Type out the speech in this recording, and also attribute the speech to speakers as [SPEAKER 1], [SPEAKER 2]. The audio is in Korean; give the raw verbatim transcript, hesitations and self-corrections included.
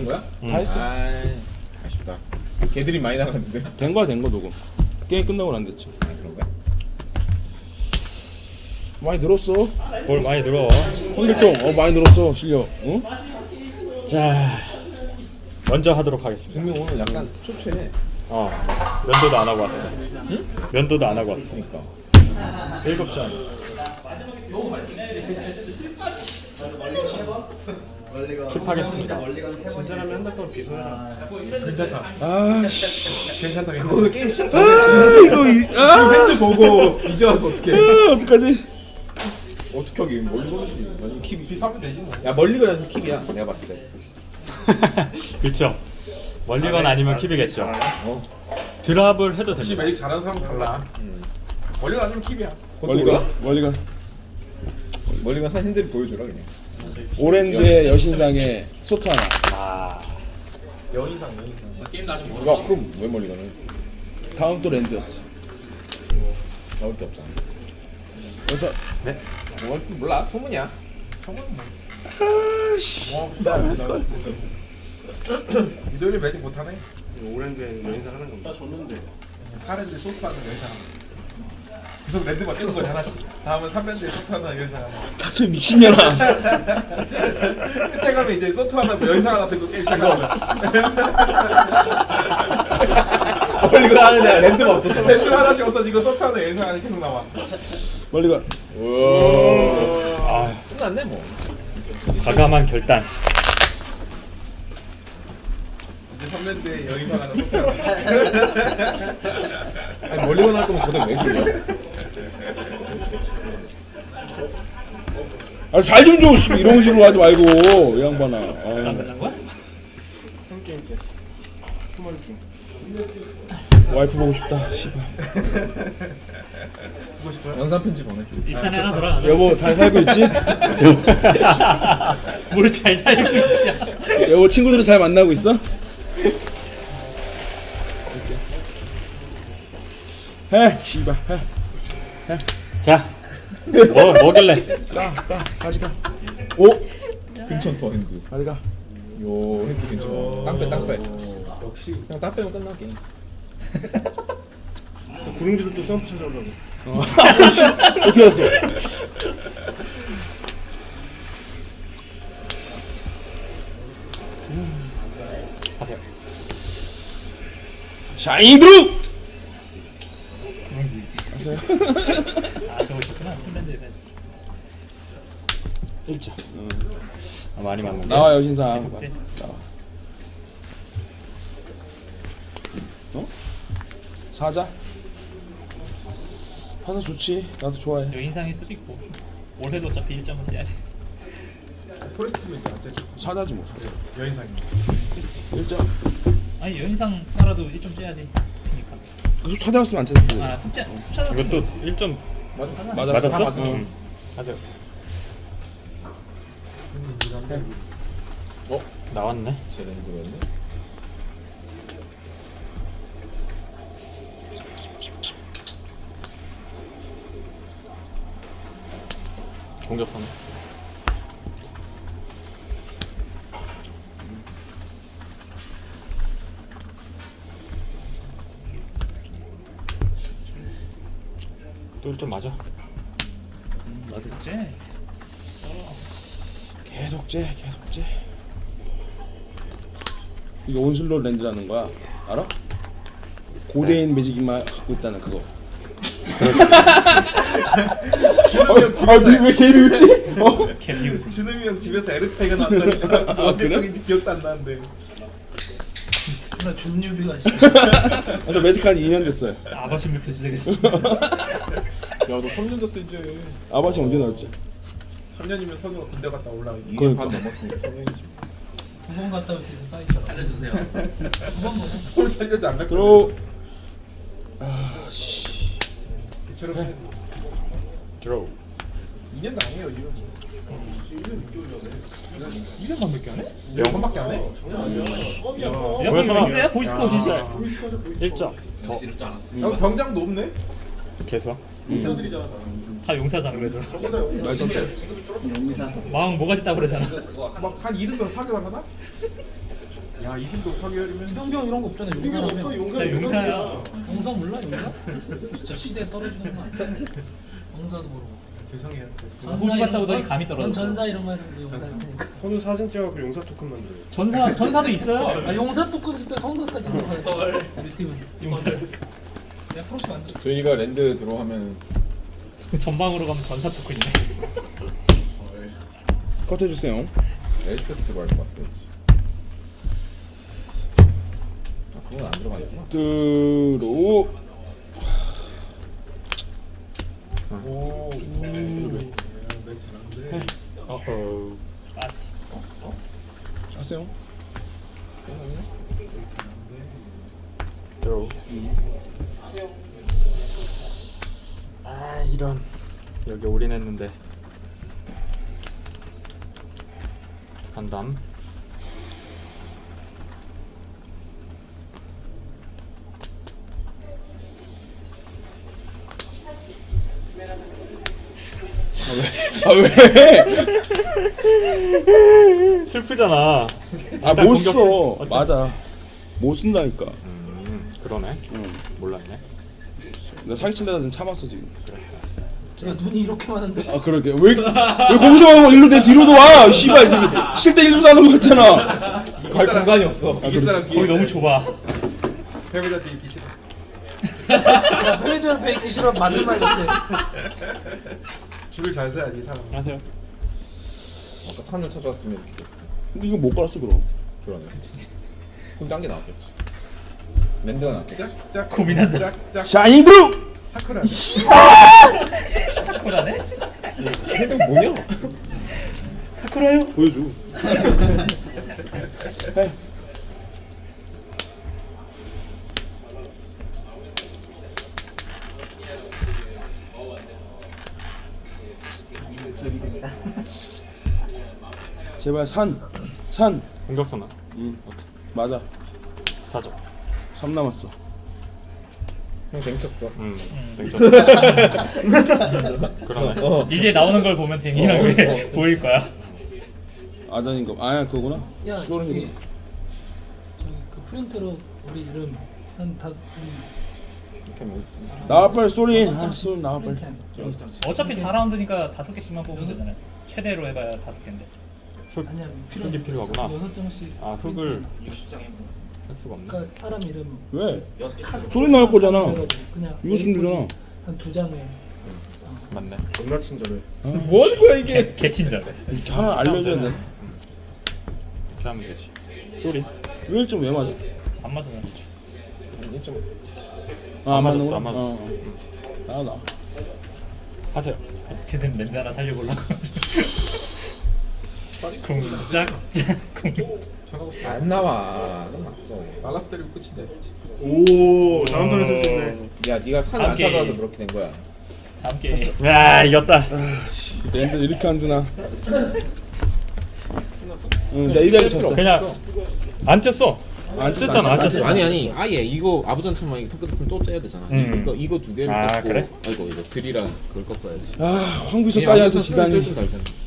[SPEAKER 1] 된 거야?
[SPEAKER 2] 응.
[SPEAKER 3] 다 했어.
[SPEAKER 1] 아, 아쉽다. 걔들이 많이 나갔는데.
[SPEAKER 3] 된 거야 된 거 녹음. 게임 끝나고 안 됐지.
[SPEAKER 1] 아, 그런 거야?
[SPEAKER 3] 많이 늘었어.
[SPEAKER 2] 뭘 많이 늘어.
[SPEAKER 3] 홍길동 어 많이 늘었어 실력. 응?
[SPEAKER 2] 자, 먼저 하도록 하겠습니다.
[SPEAKER 1] 분명 오늘 약간 초췌해.
[SPEAKER 2] 어, 면도도 안 하고 왔어.
[SPEAKER 1] 응?
[SPEAKER 2] 면도도 안 하고 왔어.
[SPEAKER 1] 그러니까.
[SPEAKER 2] 일곱 점. 킵하겠습니다.
[SPEAKER 4] 진짜라면 한 달 동안 비서해라.
[SPEAKER 1] 괜찮다.
[SPEAKER 3] 아씨.
[SPEAKER 1] 괜찮다. 그거는 게임 시작
[SPEAKER 3] 아
[SPEAKER 1] 전에
[SPEAKER 3] 이거 이,
[SPEAKER 1] 지금
[SPEAKER 3] 아,
[SPEAKER 1] 핸드 보고 이제 와서 어떻게?
[SPEAKER 3] 아 어떡하지?
[SPEAKER 1] 어떻게 하긴 멀리 걸을 수 있는? 아니 킵 비싸면 되지 뭐. 야 멀리 걸으면 킵이야. 내가 봤을 때.
[SPEAKER 2] 그렇죠. 멀리건 아니면 킵이겠죠.
[SPEAKER 1] 어.
[SPEAKER 2] 드랍을 해도
[SPEAKER 4] 혹시
[SPEAKER 2] 됩니다.
[SPEAKER 4] 매직 잘하는 사람 달라.
[SPEAKER 1] 음.
[SPEAKER 4] 멀리가 아니면 킵이야.
[SPEAKER 3] 멀리 가 멀리 가.
[SPEAKER 1] 멀리 가 한 핸들 보여줘라 그냥.
[SPEAKER 3] 오렌지의 여신상의 소트 하나.
[SPEAKER 2] 아,
[SPEAKER 4] 여인상 여인상.
[SPEAKER 1] 야 그럼 왜 멀리 가는?
[SPEAKER 3] 다음 또 랜드였어.
[SPEAKER 1] 나올 게 없잖아.
[SPEAKER 3] 그래서
[SPEAKER 2] 네.
[SPEAKER 1] 뭐 몰라 소문이야.
[SPEAKER 4] 성은 뭐.
[SPEAKER 3] 아씨.
[SPEAKER 4] 와 나할걸. 이도일 매직 못하네. 오랜데 여인상 하는 겁니다. 나 줬는데. 사랜드 소프하는 여인상. 계속 랜드만 뜨는 거지 하나씩. 다음은 삼랜드에 소프하는 여인상 하나.
[SPEAKER 3] 닥쳐 미친년아.
[SPEAKER 4] 끝에 가면 이제 소트 하나 여인상 하나 들고 게임 시작하는
[SPEAKER 1] 멀리 가 하는 데 랜드가 없었어.
[SPEAKER 4] 랜드 하나씩 없어지고 소트 하나 여인상 하나 계속 나와.
[SPEAKER 3] 멀리 가.
[SPEAKER 2] 아,
[SPEAKER 1] 끝났네 뭐.
[SPEAKER 2] 과감한 결단.
[SPEAKER 4] 이제 삼랜드에 여인상 하나 소트 하나.
[SPEAKER 1] 아니 멀리 가할 거면 저도 왜 그래요?
[SPEAKER 3] 아 잘 좀 줘. 씨, 이런 식으로 하지 말고 이 양반아. 아.
[SPEAKER 2] 끝난 거야?
[SPEAKER 4] 한 게임째. 스몰 중.
[SPEAKER 3] 와이프 보고 싶다. 씨발.
[SPEAKER 4] 보고 싶어요?
[SPEAKER 1] 영상 편지 보내.
[SPEAKER 5] 일산에 하나 돌아가자.
[SPEAKER 3] 여보 잘 살고 있지?
[SPEAKER 5] 뭘 잘 살고 있지?
[SPEAKER 3] 여보 친구들은 잘 만나고 있어? 해 씨발 해.
[SPEAKER 2] 자, 뭐 뭐길래?
[SPEAKER 3] 가가 가지가. 오
[SPEAKER 1] 괜찮다 핸드.
[SPEAKER 3] 가지가.
[SPEAKER 1] 요 핸드 괜찮아. 땅빼 땅빼.
[SPEAKER 4] 역시.
[SPEAKER 1] 그냥 땅 빼면 끝나 게임.
[SPEAKER 4] 구릉지도 또 점프 찾아오려고.
[SPEAKER 3] 어. 어떻게 알았어?
[SPEAKER 2] 하세요.
[SPEAKER 3] 샤이닝 드루.
[SPEAKER 5] 아 저거 있구나. 핀란드에서.
[SPEAKER 2] 일 점. 아, 많이 맞는 거.
[SPEAKER 3] 나와 여신상.
[SPEAKER 5] 속죄.
[SPEAKER 3] 나와. 어? 사자? 사자 좋지. 나도 좋아해.
[SPEAKER 5] 여인상일 수도 있고. 올해도 어차피 일 점은 써야 돼.
[SPEAKER 4] 포레스트도 있잖아. 어째
[SPEAKER 3] 사자지 뭐. 사자.
[SPEAKER 4] 여인상이.
[SPEAKER 3] 일 점.
[SPEAKER 5] 아니 여인상 하나라도 일 점 써야지. 그러니까.
[SPEAKER 3] 계속 찾아왔으면 안 찾았을
[SPEAKER 5] 아 숫자 숫자가
[SPEAKER 2] 이것도 일 점
[SPEAKER 1] 맞았어.
[SPEAKER 3] 맞았어.
[SPEAKER 2] 맞았어?
[SPEAKER 3] 응.
[SPEAKER 2] 응. 하세요. 어? 나왔네.
[SPEAKER 1] 제 랜드였네.
[SPEAKER 2] 공격하네. 또 일 점 맞아.
[SPEAKER 5] 속죄.
[SPEAKER 3] 계속 째, 계속 째. 이게 온슬로 랜드라는 거야. 알아? 고대인 매직이만 갖고 있다는 그거.
[SPEAKER 4] 준음이 형
[SPEAKER 3] 아,
[SPEAKER 4] 집에서
[SPEAKER 3] 왜 개미 웃지? 어?
[SPEAKER 5] 캡뉴스.
[SPEAKER 4] 준음이 형 집에서 에르타이가 나왔다니까.
[SPEAKER 3] 아,
[SPEAKER 4] 언제
[SPEAKER 3] 그래?
[SPEAKER 4] 쪽인지 기억도 안 나는데.
[SPEAKER 5] 나 준유비가 진짜
[SPEAKER 3] 아, 저 매직한 지 이 년 됐어요.
[SPEAKER 5] 아버지부터 시작했어.
[SPEAKER 1] 야너 삼 년 됐어 이제.
[SPEAKER 3] 아버지 언제 나왔지?
[SPEAKER 4] 삼 년이면 선우가 군대 갔다 올라오고.
[SPEAKER 1] 이 년
[SPEAKER 3] 그러니까.
[SPEAKER 1] 반 넘었으니까 삼 년이지.
[SPEAKER 5] 두 번 갔다 올 수 있어 사이처럼. 알려주세요. 두번 먹어.
[SPEAKER 4] 홀 살려지 안 갈 거야.
[SPEAKER 3] 들어. 아, 씨.
[SPEAKER 4] 이처럼 해야지.
[SPEAKER 2] 드로우.
[SPEAKER 4] 이 년 당해요 지금. 이 년 반밖에 안 해?
[SPEAKER 2] 영.
[SPEAKER 4] 영 번밖에 안 해?
[SPEAKER 2] 보였어.
[SPEAKER 5] 근데야 보이스코어지지.
[SPEAKER 2] 일 점. 더.
[SPEAKER 4] 형 병장도 없네?
[SPEAKER 2] 개수.
[SPEAKER 5] 다 용사잖아 그래서.
[SPEAKER 3] 말도 안 돼.
[SPEAKER 5] 마음 뭐가 짓다 그러잖아.
[SPEAKER 4] 막 한 이 등병 사 개월 하나? 야 이분도 서계열이면
[SPEAKER 5] 이동경 이런 거 없잖아. 용사라면.
[SPEAKER 6] 나 용사야.
[SPEAKER 5] 용사 몰라 용사? 진짜 시대에 떨어지는 거 아니야? 용사도 모르고.
[SPEAKER 4] 죄송해요.
[SPEAKER 6] 호주 갔다 오더니 감이 떨어졌어.
[SPEAKER 5] 전사 이런 거 했는데 용사 할 테니까.
[SPEAKER 4] 선우 사진 찍어갖고 용사 토큰 만들어.
[SPEAKER 6] 전사 전사도 있어요.
[SPEAKER 5] 아 용사 토큰 쓸때 성도 사진으로 가야 돼. 우리 팀은.
[SPEAKER 6] 용사 토큰.
[SPEAKER 5] 내가 프로시 만들.
[SPEAKER 1] 저희가 랜드 들어가면
[SPEAKER 6] 전방으로 가면 전사 토큰이네.
[SPEAKER 3] 컷 해주세요.
[SPEAKER 1] 에스페스 들어갈 것 같아. 아 그건 안 들어가겠구나.
[SPEAKER 3] 들어.
[SPEAKER 4] 오. 음. 잘하는데.
[SPEAKER 2] 어허.
[SPEAKER 6] 아직.
[SPEAKER 3] 하세요.
[SPEAKER 2] 드로우. 아 이런. 여기 올인했는데. 간담.
[SPEAKER 3] 아 왜?
[SPEAKER 2] 슬프잖아.
[SPEAKER 3] 아
[SPEAKER 2] 일단
[SPEAKER 3] 못
[SPEAKER 2] 공격해.
[SPEAKER 3] 써.
[SPEAKER 2] 어때?
[SPEAKER 3] 맞아. 못 쓴다니까.
[SPEAKER 2] 음 그러네.
[SPEAKER 3] 응.
[SPEAKER 2] 몰랐네.
[SPEAKER 3] 나 사기친다다 좀 참았어 지금.
[SPEAKER 5] 야 눈이 이렇게 많은데.
[SPEAKER 3] 아 그러게. 왜, 왜 거기서 가고 일로 내 뒤로도 와. 씨발 지금 실대 일로 사는 거 같잖아.
[SPEAKER 1] 갈 공간이 없어.
[SPEAKER 4] 이길 사람 뒤에
[SPEAKER 6] 거기 너무
[SPEAKER 4] 있어요.
[SPEAKER 6] 좁아.
[SPEAKER 4] 패배자 뒤에 있기 싫어.
[SPEAKER 5] 야 편의점 앞에 있기 싫어 맞는 말 같아.
[SPEAKER 4] 줄을 잘 서야지 이 사람.
[SPEAKER 2] 안녕하세요.
[SPEAKER 1] 아까 산을 찾아왔으면 이렇게 됐을 텐데.
[SPEAKER 3] 근데 이거 못 갈았어 그럼.
[SPEAKER 1] 그러네. 그럼 딴 게 나왔겠지. 랜드가 나왔겠지.
[SPEAKER 4] 짝
[SPEAKER 6] 고민한다.
[SPEAKER 4] 짝짝
[SPEAKER 3] 샤이닝 드루.
[SPEAKER 4] 사쿠라.
[SPEAKER 6] 사쿠라네?
[SPEAKER 1] 헤드 뭐냐?
[SPEAKER 6] 사쿠라요?
[SPEAKER 3] 보여줘. 제발 산. 산.
[SPEAKER 2] 공격선아.
[SPEAKER 3] 응. 맞아.
[SPEAKER 2] 사죠.
[SPEAKER 3] 삼 남았어.
[SPEAKER 1] 형 댕쳤어.
[SPEAKER 2] 음. 땡겨. 그러네.
[SPEAKER 1] 어.
[SPEAKER 6] 이제 나오는 걸 보면 댕이라고 보일 거야.
[SPEAKER 3] 아전인가? 아야 그거구나.
[SPEAKER 5] 야
[SPEAKER 3] 소름
[SPEAKER 5] 저기
[SPEAKER 3] 돋네.
[SPEAKER 5] 저기 그 프린트로 우리 이름 한 다섯
[SPEAKER 1] 이렇게 뭐
[SPEAKER 3] 나와 빨리 소리. 아 소리 나와 빨리.
[SPEAKER 6] 어차피 사 라운드니까 다섯 개씩만 뽑으면 되잖아요. 최대로 해봐야 다섯 개인데.
[SPEAKER 5] 아니야
[SPEAKER 2] 흙이 필요하구나.
[SPEAKER 5] 여섯 장씩.
[SPEAKER 2] 아 흙을 할 수가 없네.
[SPEAKER 5] 그러니까 사람 이름
[SPEAKER 3] 왜? 소리 나올 거잖아.
[SPEAKER 5] 그래가지고 그냥
[SPEAKER 3] 이거 쓰면 되잖아.
[SPEAKER 5] 한 두 장에
[SPEAKER 2] 맞네.
[SPEAKER 4] 존나 친절해.
[SPEAKER 1] 뭐 하는 거야 이게?
[SPEAKER 6] 개친절.
[SPEAKER 3] 이렇게 하나 알려줘야 돼.
[SPEAKER 2] 이렇게 하면 되지. 쏘리.
[SPEAKER 3] 왜 일 점 왜 맞아?
[SPEAKER 6] 안 맞으면
[SPEAKER 1] 일 점
[SPEAKER 3] 아,
[SPEAKER 2] 안
[SPEAKER 3] 맞는
[SPEAKER 2] 맞았어,
[SPEAKER 3] 거야?
[SPEAKER 2] 안 맞았어.
[SPEAKER 3] 어, 어. 나 나.
[SPEAKER 2] 하세요.
[SPEAKER 6] 어떻게든 랜드 하나 살려보려고. 공작작 공.
[SPEAKER 1] 안 나와. 넌 났어.
[SPEAKER 4] 말라스 때리고 끝인데.
[SPEAKER 6] 오
[SPEAKER 4] 다음 턴에 쓸 수 있네.
[SPEAKER 1] 야 네가 산을 안
[SPEAKER 6] 오케이.
[SPEAKER 1] 찾아와서 그렇게 된 거야.
[SPEAKER 6] 함께.
[SPEAKER 2] 야 이겼다.
[SPEAKER 3] 랜드 이렇게 안 주나? 응, 내가 이대로 쳤어.
[SPEAKER 2] 그냥 안 쪘어.
[SPEAKER 3] 안 쳤어,
[SPEAKER 2] 쪘잖아. 안
[SPEAKER 3] 안
[SPEAKER 2] 쪘어.
[SPEAKER 1] 아니 아니 아예 이거 아부전처럼 이거 턱 끝었으면 또 째야 되잖아.
[SPEAKER 2] 음.
[SPEAKER 1] 이거 이거 두 개를
[SPEAKER 2] 아,
[SPEAKER 1] 꺾고
[SPEAKER 2] 그래?
[SPEAKER 1] 아이고 이거 드리랑 그걸 꺾어야지.
[SPEAKER 3] 아, 황비서까지 한테
[SPEAKER 1] 좀
[SPEAKER 3] 지다니.
[SPEAKER 1] 달잖아.